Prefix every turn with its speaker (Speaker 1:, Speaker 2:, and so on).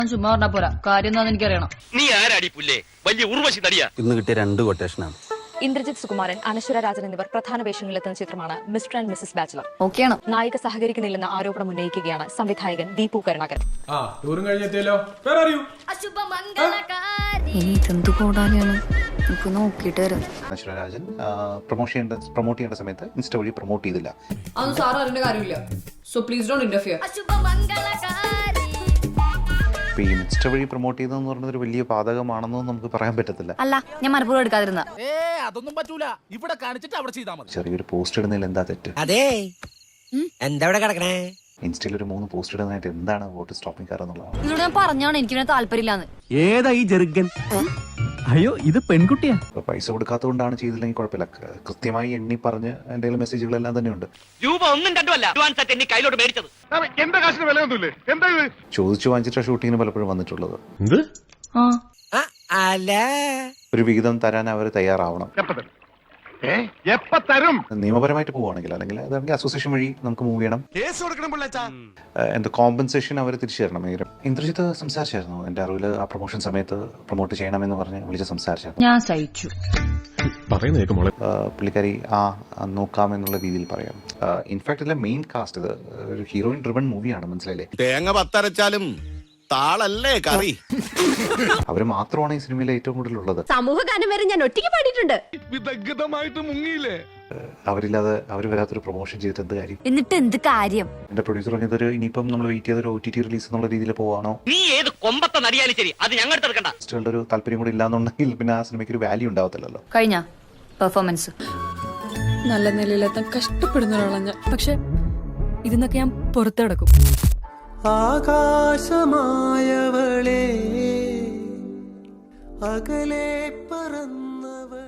Speaker 1: ചുമ്മാ പറഞ്ഞാ പോരാ, കാര്യം എന്താണെന്ന് എനിക്കറിയണം.
Speaker 2: നീ ആരാടി പുല്ലേ? വലിയ ഉർവശി നടിയാ.
Speaker 3: ഇന്ന് കിട്ടിയ 2 കൊട്ടേഷനാണ്.
Speaker 4: ഇന്ദ്രജിത്ത് സുകുമാരൻ, അനശ്വര രാജൻ എന്നിവർ പ്രധാന വേഷങ്ങളിലെത്തുന്ന ചിത്രമാണ് മിസ്റ്റർ ആൻഡ് മിസസ് ബാച്ചിലർ.
Speaker 1: ഓക്കെയാണ്.
Speaker 4: നായിക സഹകരിക്കുന്നില്ലെന്ന ആരോപണം ഉന്നയിക്കുകയാണ് സംവിധായകൻ ദീപു കരുണാകരൻ.
Speaker 1: ഇനി ഇതെന്ത് കൂടാതെയാണ് നമുക്ക് നോക്കിയിട്ട് വരാം.
Speaker 5: അനശ്വര രാജൻ പ്രൊമോട്ട് ചെയ്യേണ്ട സമയത്ത് ഇൻസ്റ്റ വഴി പ്രൊമോട്ട് ചെയ്തില്ല.
Speaker 1: അതൊന്നും സാറ് അറിയേണ്ട കാര്യമില്ല. So please don't interfere.
Speaker 5: ഇപ്പൊ ഈ ഇൻസ്റ്റ വഴി പ്രൊമോട്ട് ചെയ്തതെന്ന് പറയുന്നത് ഒരു വലിയ പാതകമാണെന്നും നമുക്ക് പറയാൻ പറ്റത്തില്ല.
Speaker 1: അല്ല, ഞാൻ മനഃപൂർവ്വം എടുക്കാതിരുന്ന.
Speaker 6: അതൊന്നും പറ്റൂല. ഇവിടെ കാണിച്ചിട്ട് അവിടെ ചെയ്താൽ മതി.
Speaker 5: ചെറിയൊരു പോസ്റ്റ് ഇടുന്നതിൽ എന്താ തെറ്റ്?
Speaker 6: അതെ, എന്താ ഇവിടെ കിടക്കണേ?
Speaker 5: ഇൻസ്റ്റയിൽ ഒരു 3 പോസ്റ്റ് ഇടുന്നതായിട്ട് എന്താണ് വോട്ട് സ്റ്റോപ്പിംഗ് കാർ എന്നുള്ളതാണ്.
Speaker 1: ഇതിലൂടെ ഞാൻ പറഞ്ഞാണ് എനിക്ക് താല്പര്യമില്ലാന്ന്.
Speaker 3: ഏതാ ഈ ജെറുഗൻ? അയ്യോ, ഇത് പെൺകുട്ടിയാ.
Speaker 5: ഇപ്പൊ പൈസ കൊടുക്കാത്തതുകൊണ്ടാണ് ചെയ്തില്ലെങ്കിൽ കുഴപ്പമില്ല. കൃത്യമായി എണ്ണി പറഞ്ഞ് എന്റെ മെസ്സേജുകളെല്ലാം തന്നെ ഉണ്ട്.
Speaker 2: രൂപ 1 2 അല്ല, അഡ്വാൻസ് ആയിട്ട് എന്നെ കയ്യിലോട്ട് മേടിച്ചത്.
Speaker 5: ചോദിച്ചു വാങ്ങിച്ചിട്ട് ഷൂട്ടിങ്ങിന് പലപ്പോഴും വന്നിട്ടുള്ളത്.
Speaker 6: അല്ല,
Speaker 5: ഒരു വിഹിതം തരാൻ അവർ തയ്യാറാവണം. നിയമപരമായിട്ട് പോവുകയാണെങ്കിൽ, അല്ലെങ്കിൽ അതാണെങ്കിൽ അസോസിയേഷൻ വഴി നമുക്ക് മൂവ് ചെയ്യണം. എന്താ കോമ്പൻസേഷൻ അവർ തിരിച്ചു തരണം. ഇന്ദ്രജിത്ത് സംസാരിച്ചായിരുന്നു എന്റെ അറിവിൽ. ആ പ്രൊമോഷൻ സമയത്ത് പ്രൊമോട്ട് ചെയ്യണമെന്ന് പറഞ്ഞ് വിളിച്ച് സംസാരിച്ചായിരുന്നു.
Speaker 1: ഞാൻ സഹിച്ചു.
Speaker 5: പുള്ളിക്കാരി നോക്കാമെന്നുള്ള രീതിയിൽ പറയാം. ഇൻഫാക്ട് ഇതിലെ മെയിൻ കാസ്റ്റ് ഇത് ഒരു ഹീറോയിൻ ഡ്രിവൺ മൂവിയാണ്, മനസ്സിലായില്ലേ?
Speaker 7: തേങ്ങ പത്തരച്ചാലും താളല്ലേ കറി.
Speaker 5: അവര് മാത്രമാണ് ഈ സിനിമയിൽ ഏറ്റവും കൂടുതൽ ഉള്ളത്.
Speaker 4: സമൂഹഗാനം വരെ ഞാൻ ഒറ്റയ്ക്ക് പാടിയിട്ടുണ്ട്.
Speaker 5: അവരില്ലാതെ അവർ വരാത്തൊരു പ്രൊമോഷൻ ചെയ്തിട്ട് എന്ത് കാര്യം?
Speaker 1: എന്നിട്ട് എന്ത് കാര്യം?
Speaker 5: എന്റെ പ്രൊഡ്യൂസർ പറഞ്ഞതൊരു ഇനിയിപ്പം നമ്മൾ വെയിറ്റ് ചെയ്തൊരു OTT റിലീസ് എന്നുള്ള രീതിയിൽ പോവാണോ?
Speaker 2: നീ ഏത് കൊമ്പത്തെ നടിയാലും ശരി, അത് ഞങ്ങളുടെ എടുക്കണ്ട.
Speaker 5: ഒരു താല്പര്യം കൂടി ഇല്ലാന്നുണ്ടെങ്കിൽ പിന്നെ ആ സിനിമയ്ക്ക് ഒരു വാല്യൂ ഉണ്ടാവത്തില്ലല്ലോ.
Speaker 1: കഴിഞ്ഞ പെർഫോമൻസ്
Speaker 8: നല്ല നിലയിലെത്താൻ കഷ്ടപ്പെടുന്ന ഒരാളാണ് ഞാൻ. പക്ഷെ ഇതിന്നൊക്കെ ഞാൻ പുറത്തു കിടക്കും.
Speaker 6: ആകാശമായവളെ, അകലെ പറന്നവൾ.